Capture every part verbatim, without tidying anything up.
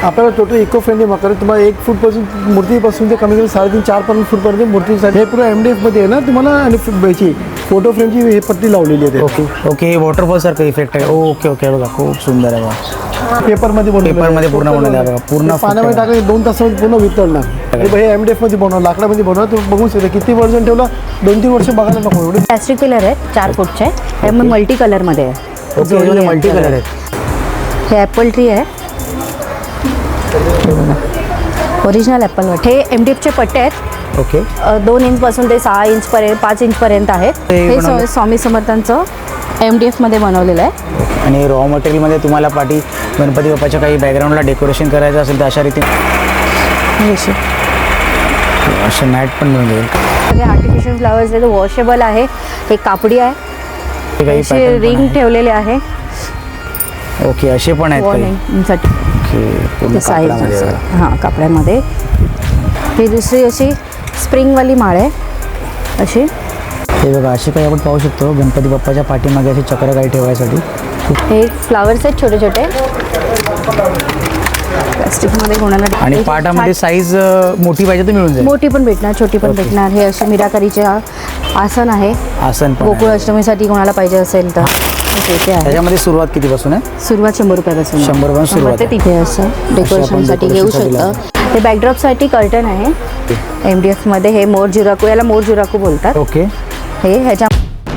आपल्याला total eco friendly मकर आहे. तुम्हाला एक फूटपासून मूर्तीपासून ते कमी कमी साडेतीन चार पर्यंत फूटपर्यंत मूर्तीसाठी हे पूर्ण एम डी एफमध्ये आहे ना तुम्हाला. आणि याची फोटो फ्रेमची हे पट्टी लावलेली आहे. ओके ओके हे वॉटरफॉल सारखं इफेक्ट आहे. ओके ओके बघा खूप सुंदर आहे बघा. पेपरमध्ये बनवलं पेपरमध्ये पूर्ण बनवलं आहे बघा. पूर्ण पाण्यामध्ये टाकायचं दोन तासामध्ये पूर्ण वितळणार. हे एम डी एफमध्ये बनवलं लाकडामध्ये बनवलं. तुम्ही बघू शकता किती वर्ष ठेवलं दोन तीन वर्ष बघायला नको एवढे. प्लॅस्टिक पिलर आहेत चार फूटचे. हे मग मल्टी कलरमध्ये आहे. ओके मल्टी कलर आहेत. हे ॲपल ट्री आहे ओरिजिनल ॲपल वाट. हे एम डी एफचे पट्टे आहेत. ओके दोन इंचपासून ते सहा इंचपर्यंत पाच इंचपर्यंत आहेत. ते हे बनवलं- स्वा- स्वामी समर्थांचं एम डी एफमध्ये बनवलेलं आहे. आणि रॉ मटेरियलमध्ये तुम्हाला पाठी गणपती बाप्पाच्या काही बॅकग्राऊंडला डेकोरेशन करायचं असेल तर अशा रीतीने हे असे असे मॅट पण मिळून जाईल. सगळे आर्टिफिशियल फ्लावर्स आहेत. वॉशेबल आहे. हे कापडी आहे. ते काही असे pattern पण रिंग आहे. ठेवलेले आहे ओके असे पण आहेत काही. वॉर्निंगसाठी. ओके पूर्ण साईज कापडामध्ये बघा. हां कापड्यामध्ये. ही दुसरी अशी स्प्रिंगवाली माळ आहे अशी. हे बघा असे काही आपण पाहू शकतो गणपती बाप्पाच्या पाठीमागे असे चक्र काही ठेवायसाठी. हे फ्लावर्स आहेत छोटे छोटे प्लास्टिकमध्ये कोणाला. आणि पाटामध्ये साईज मोठी पाहिजे तर मिळून जाईल. मोठी पण भेटणार छोटी पण भेटणार. हे असे मीराकारीचे आसन आहे. आसन पण गोकुळ आहे. अष्टमीसाठी कोणाला पाहिजे असेल तर ते आहे. त्याच्यामध्ये सुरुवात कितीपासून आहे? सुरुवात शंभर रुपयापासून. शंभर रुपयापासून सुरुवात ते आहे. तिथे असं डेकोरेशनसाठी घेऊ शकतं. हे बॅकड्रॉपसाठी कर्टन आहे एम डी एफमध्ये. हे मोर जुराकू, याला मोर जुराकू बोलतात. ओके हे ह्याच्या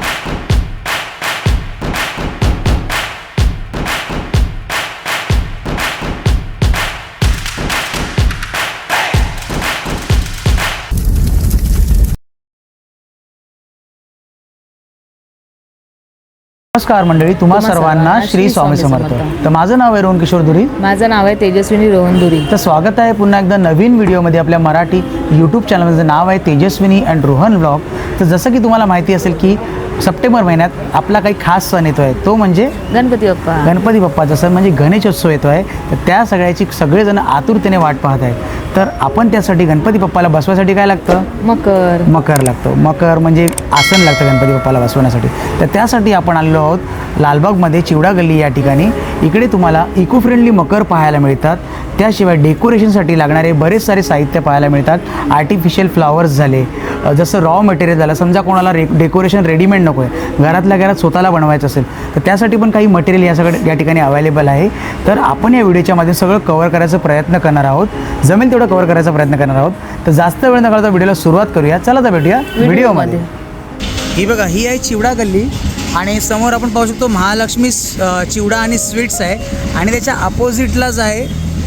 नमस्कार मंडळी, तुम्हा सर्वांना श्री स्वामी समर्थ. तर माझं नाव आहे रोहन किशोर धुरी. माझं नाव आहे तेजस्विनी रोहन धुरी. तर स्वागत आहे पुन्हा एकदा नवीन व्हिडिओमध्ये आपल्या मराठी यूट्यूब चॅनलचं नाव आहे तेजस्विनी अँड रोहन ब्लॉग. तर जसं की तुम्हाला माहिती असेल की सप्टेंबर महिन्यात आपला काही खास सण येतो आहे, तो म्हणजे गणपती बाप्पा. गणपती बाप्पाचा सण म्हणजे गणेशोत्सव येतो आहे. तर त्या सगळ्याची सगळेजण आतुरतेने वाट पाहत आहेत. तर आपण त्यासाठी गणपती बाप्पाला बसवायसाठी काय लागतं? मकर. मकर लागतो. मकर म्हणजे आसन लागतं गणपती बाप्पाला बसवण्यासाठी. तर त्यासाठी आपण आलेलो आहोत लालबागमध्ये चिवडा गल्ली या ठिकाणी. इकडे तुम्हाला इको फ्रेंडली मकर पाहायला मिळतात. त्याशिवाय डेकोरेशनसाठी लागणारे बरेच सारे साहित्य पाहायला मिळतात. आर्टिफिशियल फ्लावर्स झाले, जसं रॉ मटेरियल झालं. समजा कोणाला रे डेकोरेशन रेडीमेड नको आहे, घरातल्या घरात स्वतःला बनवायचं असेल तर त्यासाठी पण काही मटेरियल या सगळं या ठिकाणी अवेलेबल आहे. तर आपण या व्हिडिओच्या मध्ये सगळं कव्हर करायचा प्रयत्न करणार आहोत. जमेल तेवढं कव्हर करायचा प्रयत्न करणार आहोत. तर जास्त वेळ न करता व्हिडिओला सुरुवात करूया. चला तर भेटूया व्हिडिओमध्ये. ही बघा, ही आहे चिवडा गल्ली आणि समोर आपण पाहू शकतो महालक्ष्मी चिवडा आणि स्वीट्स आहे. आणि त्याच्या अपोजिटलाच आहे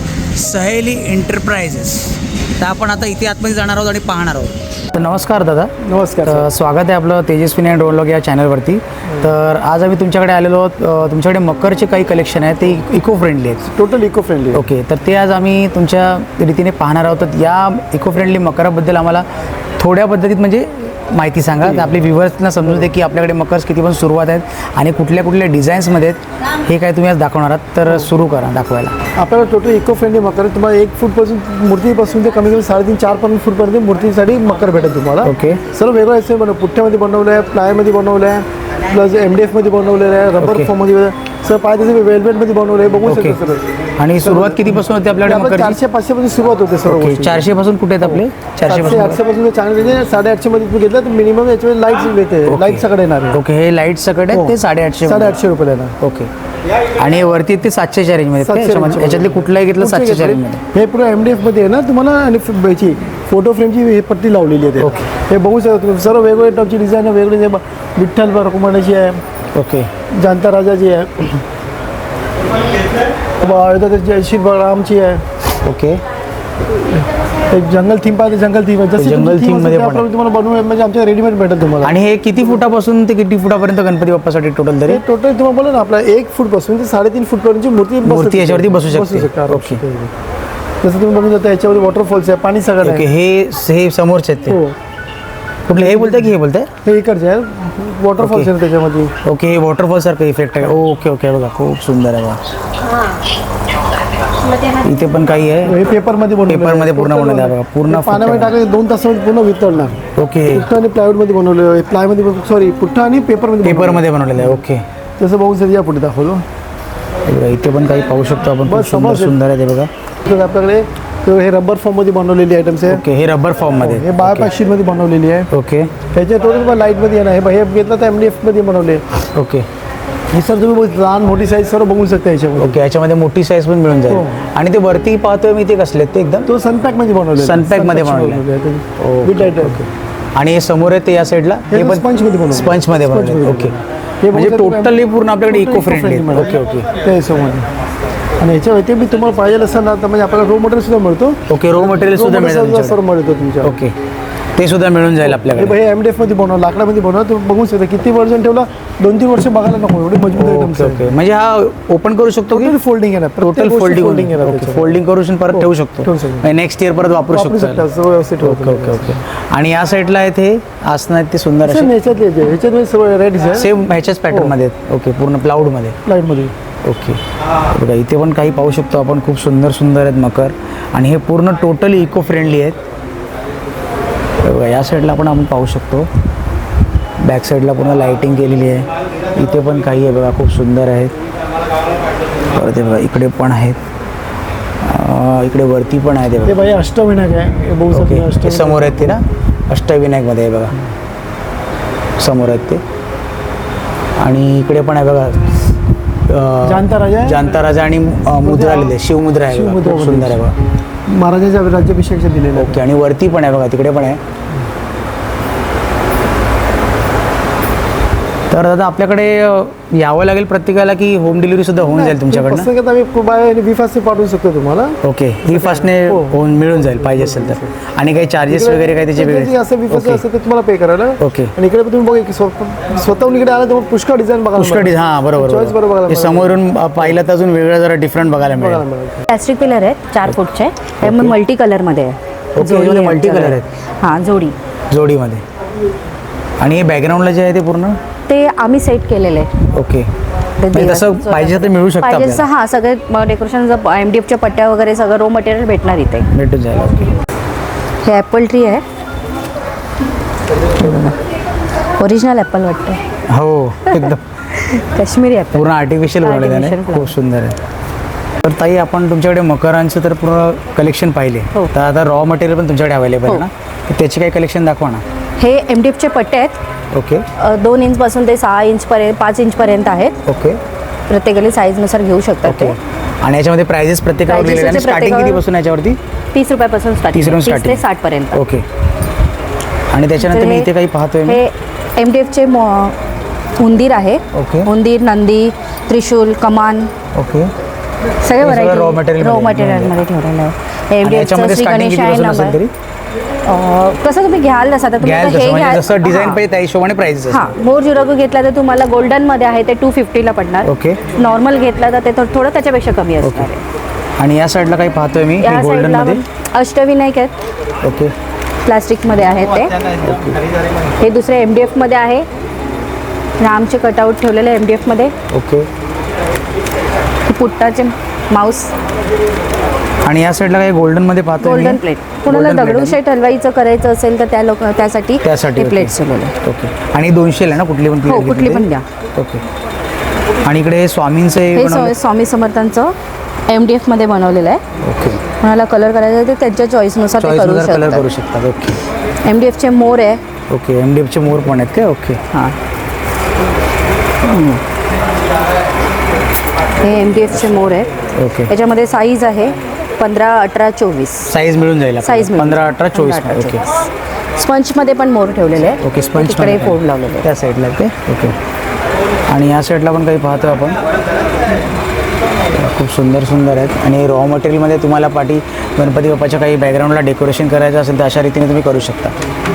सहेली एंटरप्राइजेस. तर आपण आता इथे आतमध्ये जाणार आहोत आणि पाहणार आहोत. तर नमस्कार दादा. नमस्कार. तर स्वागत आहे आपलं तेजस्विनी अँड रोहन ब्लॉग या चॅनलवरती. तर आज आम्ही तुमच्याकडे आलेलो आहोत. तुमच्याकडे मकरचे काही कलेक्शन आहे, ते इको फ्रेंडली आहेत. Total eco friendly. ओके, तर ते आज आम्ही तुमच्या रीतीने पाहणार आहोत. तर या इको फ्रेंडली मकराबद्दल आम्हाला थोड्या पद्धतीत म्हणजे माहिती सांगा. तर आपले व्ह्युअर्सना समजून दे की आपल्याकडे मकर्स किती पण सुरुवात आहेत आणि कुठल्या कुठल्या डिझाईन्समध्ये आहेत हे काय तुम्ही आज दाखवणार आहात. तर सुरू करा दाखवायला. आपल्याला टोटल इको फ्रेंडली मकर आहे. तुम्हाला एक फूटपासून मूर्तीपासून ते कमी कमी साडेतीन चार पर्यंत फूटपर्यंत मूर्तीसाठी मकर भेटेल तुम्हाला. ओके. सर्व वेगळं आहे. बनव पुठ्ठ्यामध्ये बनवलं आहे, प्लायमध्ये बनवलं आहे, प्लस एम डी एफमध्ये बनवलेलं आहे, रबर ओके. फॉर्ममध्ये सर पाहिजे तसं वेल्वेटमध्ये बनवलं आहे. बघू ओके. शकतो सर. आणि सुरुवात कितीपासून होते आपल्याकडे आपलं मकरची? चारशे पाचशे पासून सुरुवात होते सर्व ओके, गोष्टी. चारशे पासून कुठे आहेत आपले? चारशे सातशे पासून आठशे पासून चांगले म्हणजे साडेआठशे मध्ये तुम्ही घेतलं तर मिनिमम याच्यामध्ये लाईट येते. लाईट सगळं येणार आहे. ओके, हे लाईट सगळे आहेत ते साडेआठशे साडेआठशे रुपये येणार. ओके. आणि वरती ते सातशेच्या रेंजमध्ये सातशे याच्यामध्ये याच्यातले कुठलाही घेतलं सातशेच्या रेंजमध्ये. हे पुढे एम डी एफमध्ये आहे ना तुम्हाला. आणि फ- याची फोटो फ्रेमची हे पट्टी लावलेली आहे. ओके. हे बघू शकता तुम्ही. सर्व वेगवेगळे टाईपची डिझाईन आहे. वेगळे जे विठ्ठल रखुमाईची आहे, ओके जांता राजाची आहे, जयश्री रामची आहे. ओके. एक जंगल थीम पाहिजे जंगल थीम आहे. जशी जंगल तुमची theme theme मध्ये असेल पण त्याप्रमाणे तुम्हाला बनवून म्हणजे आमच्या रेडीमेड भेटेल तुम्हाला. आणि हे किती फुटापासून ते किती फुटापर्यंत गणपती बाप्पासाठी टोटल तरी? हे टोटल तुम्हाला बोला ना आपला एक फूट पासून ते साडेतीन फूट पर्यंतची मूर्ती बसू मूर्ती याच्यावरती बसू शकते. शकता. ओके. जसं तुम्ही बघू शकता याच्यावरती वॉटरफॉल्स आहे, पाणी सगळं ओके, आहे. हे हे समोरचे आहेत ते. हो, कुठले हे बोलताय की हे बोलताय? हे इकडचे आहे वॉटरफॉल्स आहे त्याच्यामध्ये. ओके, हे वॉटरफॉल सारखं इफेक्ट आहे. ओके ओके बघा खूप सुंदर आहे बघा. इथे पण काही आहे. हे पेपरमध्ये बनवलं पेपरमध्ये पूर्ण बनवलं आहे बघा. पूर्ण पाण्यामध्ये टाकायचं दोन तासामध्ये पूर्ण वितळणार. ओके. पुठ्ठा आणि प्लायवूडमध्ये बनवलेलं आहे. प्लायमध्ये सॉरी पुठ्ठा आणि पेपरमध्ये पेपरमध्ये बनवलेलं आहे. ओके. तसं बघू शकता. या पुढे दाखवलो. बघा, इथे पण काही पाहू शकतो आपण. खूप बस, सुंदर समज आहे. सुंदर आहे ते बघा. तर आपल्याकडे तर हे रबर फॉर्ममध्ये बनवलेली आयटम्स आहे. ओके, हे रबर फॉर्ममध्ये. हे बायोपॅक शीटमध्ये बनवलेली आहे. ओके ह्याचे टोटल लाईटमध्ये आहे ना, हे हे घेतलं तर एम डी एफमध्ये बनवले. ओके हे सर तुम्ही बघ- लहान मोठी साईज सर्व बघू शकता याच्यामध्ये. ओके, याच्यामध्ये मोठी साईज पण मिळून जाईल. हो. आणि ते वरती पाहतोय मी ते कसले ते एकदम तो सनपॅकमध्ये बनवले. सनपॅकमध्ये बनवलेलं बनवले. आणि हे समोर आहे ते या साईडला हे पण स्पंजमध्ये बनवले. स्पंजमध्ये बनवले. स्पंजमध्ये ओके, हे म्हणजे बघू शकता टोटली तुम्ही- पूर्ण आपल्याकडे totally eco friendly. eco-friendly okay okay त्या हिशोबाने. आणि याच्या व्यतिरिक्त तुम्हाला पाहिजे असेल ना तर म्हणजे आपल्याला रो मटेरियल सुद्धा मिळतो. ओके, रो मटेरियल सुद्धा मिळेल सर्व तुमच्याकडे. मिळतो तुमच्या. ओके, ते सुद्धा मिळून जाईल हे आपल्याकडे. हे एम डी एफमध्ये बनव लाकडामध्ये बनवा. तुम्ही बघू शकता किती वर्जन ठेवला, दोन तीन वर्ष बघायला नको एवढे मजबूत आयटम्स ओके ओके, म्हणजे हा ओपन करू शकतो की टोटल फोल्डिंग आहे ना. टोटल फोल्डिंग फोल्डिंग आहे ओके, ना. फोल्डिंग करून परत हो, ठेवू शकतो. ठेवू शकतो. नेक्स्ट इयर परत वापरू वापरू शकतो. शकता सर्व व्यवस्थित ओके ओके ओके. आणि या साईडला आहेत हे आसनं आहेत ते सुंदर सेम असे ह्याच्यातले जे- ह्याच्यात सर्व रेडीज आहे सेम ह्याच्याच पॅटर्नमध्ये आहेत. ओके, पूर्ण प्लाउडमध्ये. लाईटमध्ये. ओके, बघा इथे पण काही पाहू शकतो आपण. खूप सुंदर सुंदर आहेत मकर. आणि हे पूर्ण टोटली इको फ्रेंडली आहेत. बघा या साईडला पण आपण पाहू शकतो. बॅक साईडला पूर्ण लाईटिंग केलेली आहे. इथे पण काही आहे बघा, खूप सुंदर आहेत. परत हे बघा इकडे पण आहेत. अं, इकडे वरती पण आहेत हे ते बघा. भाई अष्टविनायक आहे. हे बघू ओके, शकता हे अष्टविनायक. समोर आहेत ते ना, अष्टविनायकमध्ये आहे बघा, समोर आहेत ते. आणि इकडे पण आहे बघा अं, जाणता राजा आहे. जाणता राजा आणि अं, मुद्रा लिहिली आहे, शिवमुद्रा आहे बघा. शिवमुद्रा खूप सुंदर आहे बघा. महाराजांच्या राज्याभिषेकच्या दिलेलं आहे. ओके, आणि वरती पण आहे बघा, तिकडे पण आहे. तर दादा आपल्याकडे अ, यावं लागेल प्रत्येकाला की होम डिलिव्हरी सुद्धा होऊन जाईल तुमच्याकडनं? पुस्तकात आम्ही खूप आहे आणि विफासने पाठवू शकतो तुम्हाला. ओके, ही फास्टने हो. होऊन मिळून जाईल पाहिजे असेल तर. आणि काही चार्जेस वगैरे काही त्याचे जे वेगळे? असं विफास ओके. असतं ते तुम्हाला पे करायला. ओके. आणि इकडे पण तुम्ही बघा की स्व- स्वतःहून इकडे आला तर पुष्कळ डिझाईन बघायला पुष्कळ मिळेल. हां बरोबर चॉईस बरोबर बरोबर. बघायला हे मिळेल. समोरून अ, पाहिलं तर अजून वेगळं जरा डिफरंट बघायला बघायला मिळेल. मिळेल. प्लॅस्टिक पिलर आहेत चार फूटचे. हे ओके. मल्टी कलरमध्ये आहे. ओके, जोडी याच्यामध्ये आहे multi color आमच्याकडे. हां, जोडी. जोडीमध्ये. आणि हे बॅकग्राऊंडला जे आहे ते पूर्ण ते आम्ही सेट केलेले आहे. ओके, ते म्हणजे दिवस- तसं पाहिजे तर मिळू शकतं पाहिजे तसं आपल्याला. हां, सगळे डेकोरेशन एम डी एफच्या पट्ट्या वगैरे सगळं रो मटेरियल भेटणार इथे. भेटून जाईल. ओके, हे ॲपल ट्री आहे. ओरिजिनल ॲपल वाटतं. हो एकदम काश्मीरी ॲपल. पूर्ण आर्टिफिशियल बनवलेलं आहे. Artificial खूप सुंदर आहे. तर ताई आपण तुमच्याकडे मकरांचं तर पूर्ण कलेक्शन पाहिले. हो. तर आता रॉ मटेरियल पण तुमच्याकडे अवेलेबल आहे हो. ना, तर त्याची काही कलेक्शन दाखवा ना. हे एम डी एफचे पट्टे आहेत. ओके अ, दोन इंचपासून ते सहा इंचपर्यंत पाच इंचपर्यंत आहेत. ओके प्रत्येकाला साईजनुसार घेऊ शकतात ओके. ते. आणि याच्यामध्ये प्राइजेस प्रत्येकावर Prices लिहिलेले आणि याचे स्टार्टिंग प्रत्येकावर- कितीपासून याच्यावरती? तीस रुपयापासून स्टार्टिंग तीस रुपये तीस ते starting. साठपर्यंत. ओके. आणि त्याच्यानंतर मी इथे काही पाहतोय मी. हे एम डी एफचे उंदीर आहे. ओके. उंदीर, नंदी, त्रिशूल, कमान ओके. सगळे हे व्हरायटी सगळं raw material रॉ मध्ये मटेरियलमध्ये ठेवलेलं आहे. एम आणि डी याच्यामध्ये एफचं श्री स्टार्टिंग गणेश कितीपासून आहे असेल नंबर. तरी? कसं तुम्ही घ्याल तसं आता तुम्ही घ्याल आता तसं हे म्हणजे घ्याल जसं डिझाईन हां. पाहिजे त्या हिशोबाने प्राइस हां, मोर जुरागो घेतला तर तुम्हाला गोल्डनमध्ये आहे ते टू फिफ्टीला पडणार. ओके. नॉर्मल घेतला तर ते थोडं थोडं त्याच्यापेक्षा कमी असणार आहे. आणि या साईडला काही पाहतोय मी या गोल्डन साईडला मध्ये. अष्टविनायक आहेत. ओके प्लास्टिकमध्ये आहेत ते. हे दुसरे एम डी एफमध्ये आहे. रामचे कटआउट ठेवलेले एम डी एफमध्ये. ओके. पुट्टाचे माऊस. आणि या साईडला काही गोल्डन मध्ये पाहतोय मी. Golden plate. कुणाला Golden plate दगडूशेठ हलवाईचं करायचं असेल तर त्या लोक त्यासाठी त्यासाठी हे ओके. प्लेट्स ठेवलेले. ओके. आणि दोनशे आहे ना कुठली पण हो, plate कुठली घेतली पण ते? घ्या. ओके. आणि इकडे स्वामींचं हे हे बनवलं. स्वा- स्वामी समर्थांचं एम डी एफमध्ये बनवलेलं आहे. ओके. कोणाला कलर करायचा आहे तर त्यांच्या चॉईसनुसार ते चॉईस करू कलर करू शकतात. शकतात. ओके एम डी एफचे मोर आहे. ओके. एम डी एफचे मोर पण आहेत का? ओके. हां, हे एम डी एफचे मोर आहेत. ओके. याच्यामध्ये साईज आहे पंधरा, अठरा, चोवीस. साईज मिळून जाईल साईज पंधरा अठरा चोवीस ओके. स्पंजमध्ये पण मोर ठेवलेले आहे. ओके. स्पंज तिकडे फोड लावलेले आहे. त्या साईडला ते ओके. आणि या साईडला पण काही पाहतो आपण. खूप सुंदर सुंदर आहेत. आणि रॉ मटेरियलमध्ये तुम्हाला पाठी गणपती बाप्पाच्या काही बॅकग्राऊंडला डेकोरेशन करायचं असेल तर अशा रीतीने तुम्ही करू शकता.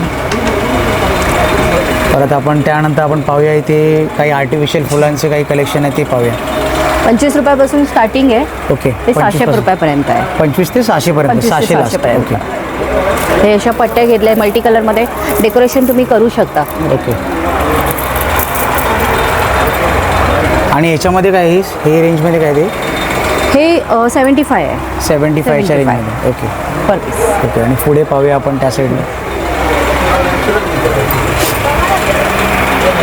परत आपण त्यानंतर आपण पाहूया इथे काही आर्टिफिशियल फुलांचे काही कलेक्शन आहे ते पाहूया. पंचवीस रुपयापासून स्टार्टिंग आहे. ओके. ते सहाशे रुपयापर्यंत आहे. पंचवीस ते सहाशे पर्यंत. पंचवीस ते सहाशे लास्ट. सहाशेपर्यंत. ओके हे अशा पट्ट्या घेतल्या मल्टी कलरमध्ये डेकोरेशन तुम्ही करू शकता. ओके. आणि याच्यामध्ये काय आहे हे रेंजमध्ये काय ते? हे सेवन्टी फाय आहे सेवन्टी फायच्या seventy five. रेंजमध्ये. Okay per piece. ओके. आणि पुढे पाहूया आपण त्या साईडला.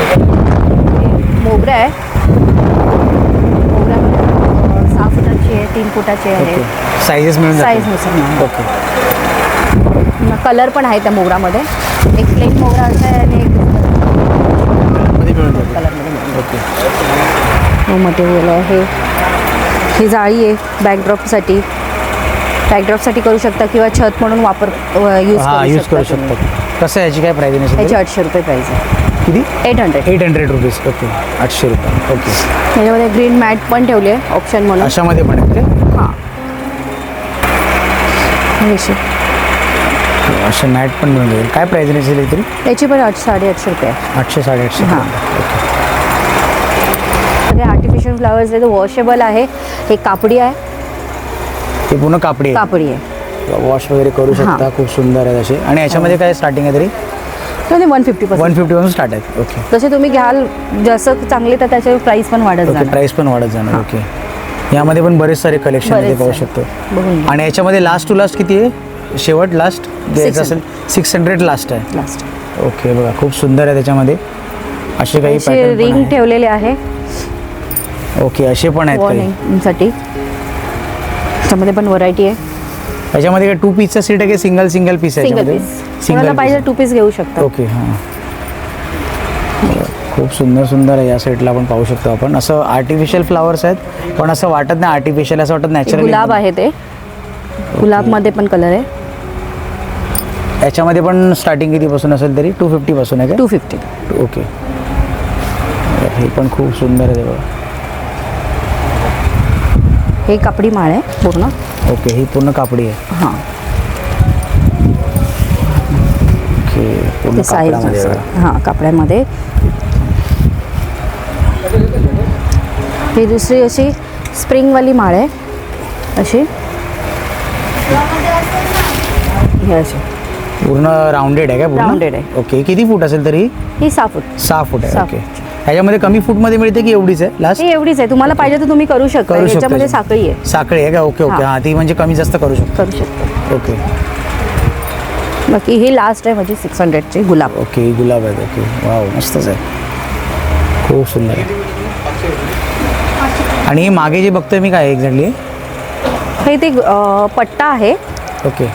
मोगरा आहे. मोगऱ्यामध्ये सहा फुटाची आहे. तीन फुटाचे आहे ओके साईजेस मिळून साईज नुसार ओके कलर पण आहे त्या मोगरामध्ये एक प्लेन मोगरा असा आहे आणि एक मध्ये मिळून जाते कलरमध्ये मिळून ओके मटेरियल आहे ही जाळी आहे बॅकड्रॉपसाठी बॅकड्रॉपसाठी करू शकता किंवा छत म्हणून वापर यूज हां यूज करू शकतो कसं आहे याची काय प्राईज याची आहे आठशे रुपये प्राईस आहे किती eight hundred eight hundred rupees okay आठशे रुपये ओके त्याच्यामध्ये ग्रीन मॅट पण ठेवली आहे ऑप्शन म्हणून अशामध्ये पण आहे ते हां ही अशी. असे मॅट पण मिळून जाईल काय प्राईज असेल तरी याची पण आठ साडेआठशे रुपये आहे आठशे साडेआठशे हां. ओके ते आर्टिफिशियल फ्लावर्स आहे ते वॉशेबल आहे हे कापडी आहे ते पूर्ण कापडी आहे कापडी आहे वॉश वगैरे करू शकता खूप सुंदर आहे असे आणि याच्यामध्ये काय स्टार्टिंग आहे तरी म्हणजे one fifty percent one fifty पासून स्टार्ट आहे ओके जसे तुम्ही घ्याल जसं चांगले तर त्याच्यावर प्राईस पण वाढत ओके जाणार प्राईस पण वाढत जाणार ओके यामध्ये पण बरेच सारे कलेक्शन आहे ते बरेच पाहू आहे. शकतो बघून घ्या. आणि याच्यामध्ये लास्ट टू लास्ट किती आहे शेवट लास्ट द्यायचं असेल सिक्स हंड्रेड लास्ट आहे लास्ट ओके बघा खूप सुंदर आहे त्याच्यामध्ये असे काही अशी pattern पण रिंग आहे. ठेवलेले आहे ओके असे पण आहेत काही वॉर्निंगसाठी त्याच्यामध्ये पण व्हरायटी आहे याच्यामध्ये काय टू पीसचा सीट आहे की सिंगल सिंगल पीस आहे सिंगल याच्यामध्ये? पीस कोणाला पाहिजे टू पीस घेऊ शकता ओके हां खूप सुंदर सुंदर आहे या साईडला आपण पाहू शकतो आपण असं आर्टिफिशियल फ्लावर्स आहेत पण असं वाटत नाही आर्टिफिशियल असं वाटत एक नॅचरल गुलाब आहे ते गुलाबमध्ये पण कलर आहे याच्यामध्ये पण स्टार्टिंग कितीपासून असेल तरी टू फिफ्टी पासून आहे टू फिफ्टी का ओके हे पण खूप सुंदर आहे बघा हे कापडी माळ आहे पूर्ण ओके ही पूर्ण कापडी आहे हां ओके पूर्ण ते साईज कापडामध्ये बघा. हां कापड्यामध्ये ही दुसरी अशी स्प्रिंगवाली माळ आहे अशी ही अशी पूर्ण राऊंडेड आहे का पूर्ण Rounded आहे. ओके किती फूट असेल तरी ही सहा फूट सहा फूट आहे सहा ओके ह्याच्यामध्ये कमी फूटमध्ये मिळते की एवढीच आहे लास्ट ही एवढीच आहे तुम्हाला पाहिजे तर तुम्ही करू शकता करू शकतो याच्यामध्ये साखळी आहे साखळी आहे का ओके ओके हां. हां ती म्हणजे कमी जास्त करू शकतो करू शकता ओके बाकी ही लास्ट आहे माझी सिक्स हंड्रेडची गुलाब ओके गुलाब आहे ओके वाव मस्तच आहे खूप सुंदर आहे आणि हे मागे जे बघतोय मी काय एक्झॅक्टली हे ते अं, पट्टा आहे ओके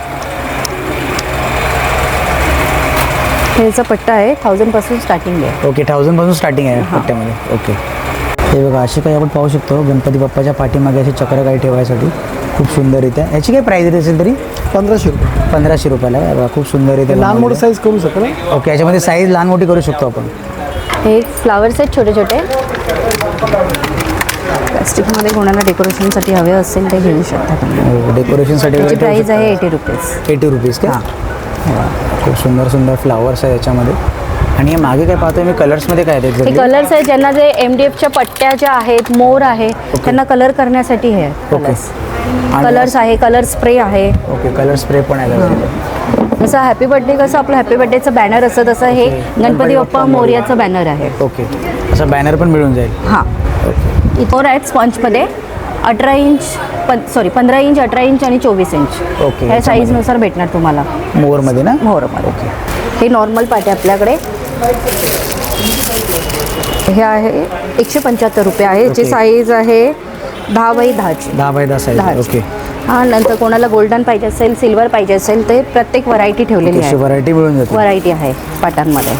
हेचा पट्टा आहे थाउजंड पासून स्टार्टिंग आहे ओके थाउजंडपासून स्टार्टिंग आहे पट्ट्यामध्ये ओके हे बघा अशी काही आपण पाहू शकतो गणपती बाप्पाच्या पाठीमागे असे चक्र काही ठेवायसाठी खूप सुंदररित्या याची काय प्राईज असेल तरी पंधराशे रुपये पंधराशे रुपयाला आहे बघा खूप सुंदररित्या लहान मोठं बनवलेलं साईज करू शकता ना आहे. ओके याच्यामध्ये साईज लहान मोठी करू शकतो आपण हे फ्लावर्स आहेत छोटे छोटे प्लास्टिकमध्ये कोणाला डेकोरेशनसाठी हवे असेल ते घेऊ शकता तुम्ही डेकोरेशनसाठी त्याची प्राईस आहे एटी रुपीज एटी रुपीज का हां खूप सुंदर सुंदर फ्लावर्स आहे याच्यामध्ये आणि हे मागे काय पाहतोय मी कलर्समध्ये काय आहेत हे एक्झॅक्टली कलर्स आहेत ज्यांना जे एम डी एफच्या पट्ट्या ज्या आहेत मोर आहे त्यांना कलर करण्यासाठी हे कलर्स कलर्स आहे कलर स्प्रे आहे ओके कलर स्प्रे पण आहे त्याच्यामध्ये. जसं हॅपी बर्थडे कसं आपलं हॅपी बर्थडेचं बॅनर असतं तसं हे गणपती बाप्पा मोर्याचं बॅनर आहे ओके असं बॅनर पण मिळून जाईल हां ओके इथोर आहेत स्पंजमध्ये अठरा इंच पण सॉरी पंधरा इंच अठरा इंच आणि चोवीस इंच ओके ह्या साईजनुसार भेटणार तुम्हाला मोरमध्ये ना मोरमध्ये हे नॉर्मल पाटे आपल्याकडे हे आहे एकशे पंच्याहत्तर रुपये आहे याची ओके. साईज आहे दहा बाय दहाची दहा बाय दहा साईज दहाची. ओके हां नंतर कोणाला गोल्डन पाहिजे असेल सिल्वर पाहिजे असेल ते प्रत्येक व्हरायटी ठेवलेली अशी आहे व्हरायटी मिळून जाते व्हरायटी आहे पाटांमध्ये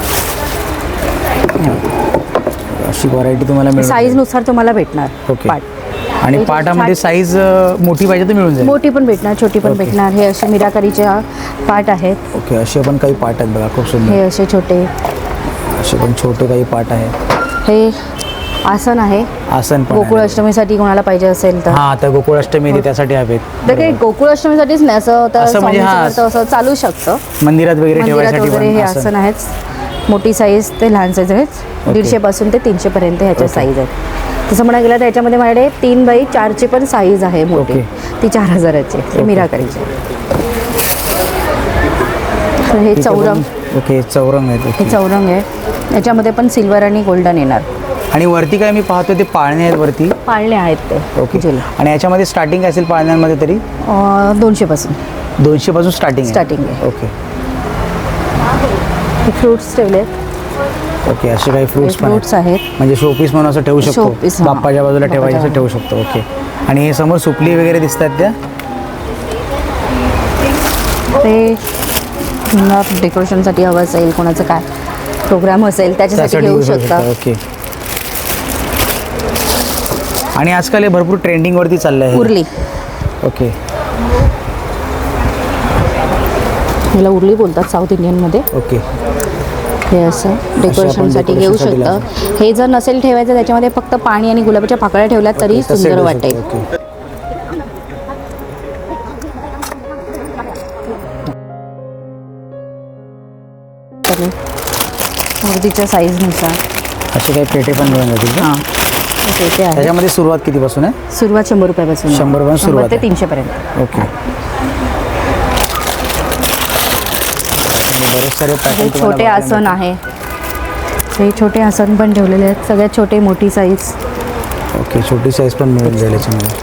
अशी व्हरायटी तुम्हाला मिळून साईजनुसार तुम्हाला भेटणार ओके. पाट आणि हे पाटामध्ये छान- साईज मोठी पाहिजे तर मिळून जाईल मोठी पण भेटणार छोटी पण ओके. भेटणार हे असे मिराकरीचे पाट आहेत ओके असे पण काही पाट आहेत बघा खूप हे सुंदर असे छोटे असे पण छोटे काही पाट आहे हे आसन आहे आसन पण गोकुळ आहे. अष्टमीसाठी कोणाला पाहिजे असेल तर हा आता गोकुळाष्टमी ते त्यासाठी हवेत तर काही गोकुळ अष्टमीसाठीच नाही असं तर असं म्हणजे हा. स्वामींचं व्रत असं चालू शकतं मंदिरात वगैरे मंदिरात ठेवायसाठी वगैरे पण हे आसन. आसन आहेत मोठी साईज ते लहान साईज आहेत दीडशे पासून ते तीनशे पर्यंत ह्याच्या ओके. साईज आहेत तसं म्हणायला गेलं तर याच्यामध्ये माझ्याकडे तीन बाई चारची पण साईज आहे मोठी ओके. ती चार हजाराची ते ओके. मिराकरीची तर हे इथे चौरंग पण- ओके चौरंग आहेत हे ओके. चौरंग आहे याच्यामध्ये पण सिल्वर आणि गोल्डन येणार आणि वरती काय मी पाहतो ते पाळणे आहेत वरती पाळणे आहेत ते ओके जुले. आणि याच्यामध्ये स्टार्टिंग असेल पाळण्यांमध्ये तरी अं, दोनशे पासून दोनशे पासून स्टार्टिंग Starting आहे. ओके हे फ्रुट्स ठेवले आहेत ओके, असे काही फ्रुट्स पण फ्रुट्स आहेत आहेत. म्हणजे शोपीस म्हणून असं ठेवू शकतो, Showpiece, हां. बाप्पाच्या बाजूला ठेवायचं असं ठेवू शकतो. ओके. आणि हे समोर सुपली वगैरे दिसतात त्या ते पुन्हा डेकोरेशनसाठी हवं असेल, कोणाचं काय प्रोग्राम असेल त्याच्यासाठी त्यासाठी घेऊ use होऊ शकता. शकतं. ओके. आणि आजकाल हे भरपूर ट्रेंडिंगवरती चाललं आहे. उरली, ओके. ह्याला उरली बोलतात साऊथ इंडियनमध्ये. ओके. हे असं डेकोरेशनसाठी घेऊ decorationसाठी शकतं. हे जर नसेल ठेवायचं त्याच्यामध्ये फक्त पाणी आणि गुलाबाच्या पाकळ्या ठेवल्या तरी तसे सुंदर ठेवू वाटेल. शकतो. ओके. मूर्तीच्या साईजनुसार असे काही पेटे पण मिळून जातील का? हां ते आहे. त्याच्यामध्ये सुरुवात कितीपासून आहे? सुरुवात शंभर रुपयापासून आहे. शंभर रुपयापासून सुरुवात ते आहे. तीनशेपर्यंत. ओके. बरेच सारे हे पॅटर्न छोटे आसन आहे. हे छोटे आसन पण ठेवलेले आहेत, सगळ्यात छोटे मोठी साईज. ओके, छोटी साईज पण मिळून जाईल याच्यामध्ये.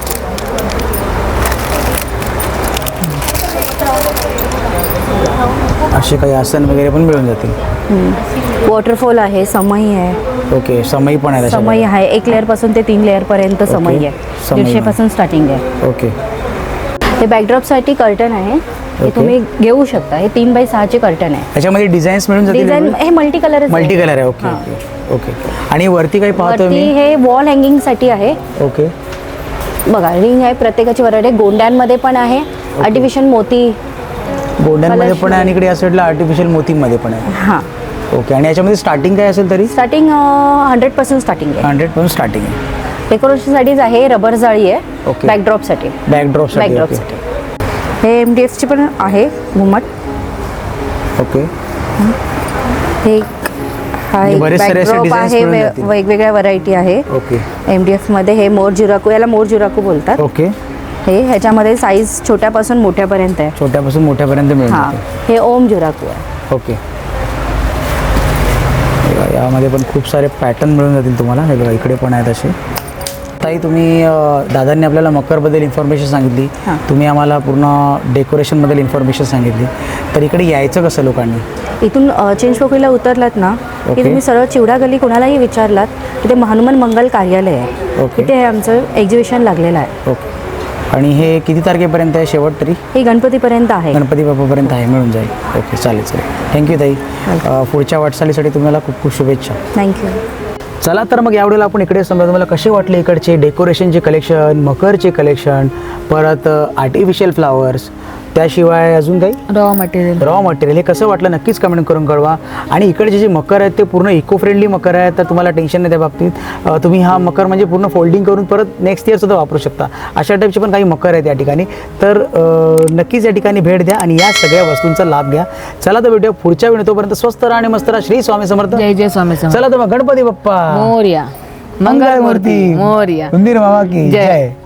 असे काही आसन वगैरे पण मिळून जातील. वॉटरफॉल आहे, समई आहे. ओके, समई पण आहे समई आहे, एक लेअर पासून ते तीन लेअर पर्यंत समई आहे. समई दीडशे आहे. पासून स्टार्टिंग आहे. ओके. हे बॅकड्रॉपसाठी कर्टन आहे, हे ओके. तुम्ही घेऊ शकता. हे तीन बाय सहाचे कर्टन आहे. त्याच्यामध्ये डिझाईन्स मिळून जातील. डिझाईन हे मल्टी कलर मल्टी कलर आहे. ओके. हां. ओके. ओके. आणि वरती काही पाहतो वरती मी. हे वॉल हँगिंगसाठी आहे. ओके. बघा रिंग आहे, प्रत्येकाची व्हरायटी. गोंड्यांमध्ये पण आहे, आर्टिफिशियल मोती. गोल्डनमध्ये कलश पण आहे आणि इकडे या साईडला आर्टिफिशियल मोतीमध्ये पण आहे. हां, ओके. आणि याच्यामध्ये स्टार्टिंग काय असेल तरी? स्टार्टिंग हंड्रेड पर्सेंट स्टार्टिंग आहे. हंड्रेड पासून स्टार्टिंग आहे. डेकोरेशनसाठीच आहे, रबर जाळी आहे. ओके. बॅकड्रॉपसाठी बॅकड्रॉप बॅकड्रॉपसाठी हे एम डी एफची पण आहे घुमट. ओके. हे हा म्हणजे एक बरेच सारे असे backdrop designs आहे, मिळून वे- जातील. वेगवेगळ्या व्हरायटी आहे. ओके. एम डी एफमध्ये हे मोर जुराकू, याला मोर जुराकू बोलतात. ओके. हे ह्याच्यामध्ये साईज छोट्यापासून मोठ्यापर्यंत आहे. छोट्यापासून मोठ्यापर्यंत मिळून हां, जाते. हे ओम जुराकू आहे. ओके. हे बघा, यामध्ये पण खूप सारे पॅटर्न मिळून जातील तुम्हाला. हे बघा इकडे पण आहेत असे. ताई तुम्ही अ, दादांनी आपल्याला मकरबद्दल इन्फॉर्मेशन सांगितली, हां. तुम्ही आम्हाला पूर्ण डेकोरेशनबद्दल इन्फॉर्मेशन सांगितली, तर इकडे यायचं कसं लोकांनी? इथून अ, चिंच पोखरीला उतरलात ना ओके. की तुम्ही सरळ चिवडा गल्ली कोणालाही विचारलात तिथे हनुमान मंगल कार्यालय आहे. ओके. तिथे हे आमचं एक्झिबिशन लागलेलं आहे. ओके. आणि हे किती तारखेपर्यंत आहे शेवट तरी? हे गणपतीपर्यंत आहे. गणपती बाप्पापर्यंत आहे, मिळून जाईल. ओके, चालेल चालेल. थँक्यू ताई. अ, पुढच्या वाटचालीसाठी तुम्हाला खूप खूप शुभेच्छा. थँक्यू. चला तर मग यावेळेला आपण इकडे समजा तुम्हाला कसे वाटले इकडचे डेकोरेशनचे कलेक्शन, मकरचे कलेक्शन, परत आर्टिफिशियल फ्लावर्स, त्याशिवाय अजून काही रॉ मटेरियल. रॉ मटेरियल हे कसं वाटलं नक्कीच कमेंट करून कळवा. आणि इकडचे जे मकर आहेत ते पूर्ण इको फ्रेंडली मकर आहेत, तर तुम्हाला टेन्शन नाही त्या बाबतीत. अ, तुम्ही हा मकर म्हणजे पूर्ण फोल्डिंग करून परत नेक्स्ट इयरसुद्धा वापरू शकता. अशा टाईपचे पण काही मकर आहेत या ठिकाणी. तर अ, नक्कीच या ठिकाणी भेट द्या आणि या सगळ्या वस्तूंचा लाभ घ्या. चला तर भेटूया पुढच्या वेळी. तोपर्यंत स्वस्त राहा आणि मस्त राहा. श्री स्वामी समर्थ. जय जय स्वामी समर्थ. चला तर मग गणपती बाप्पा मोरया. मंगलमूर्ती मोरया. उंदीर मामा की जय. जय.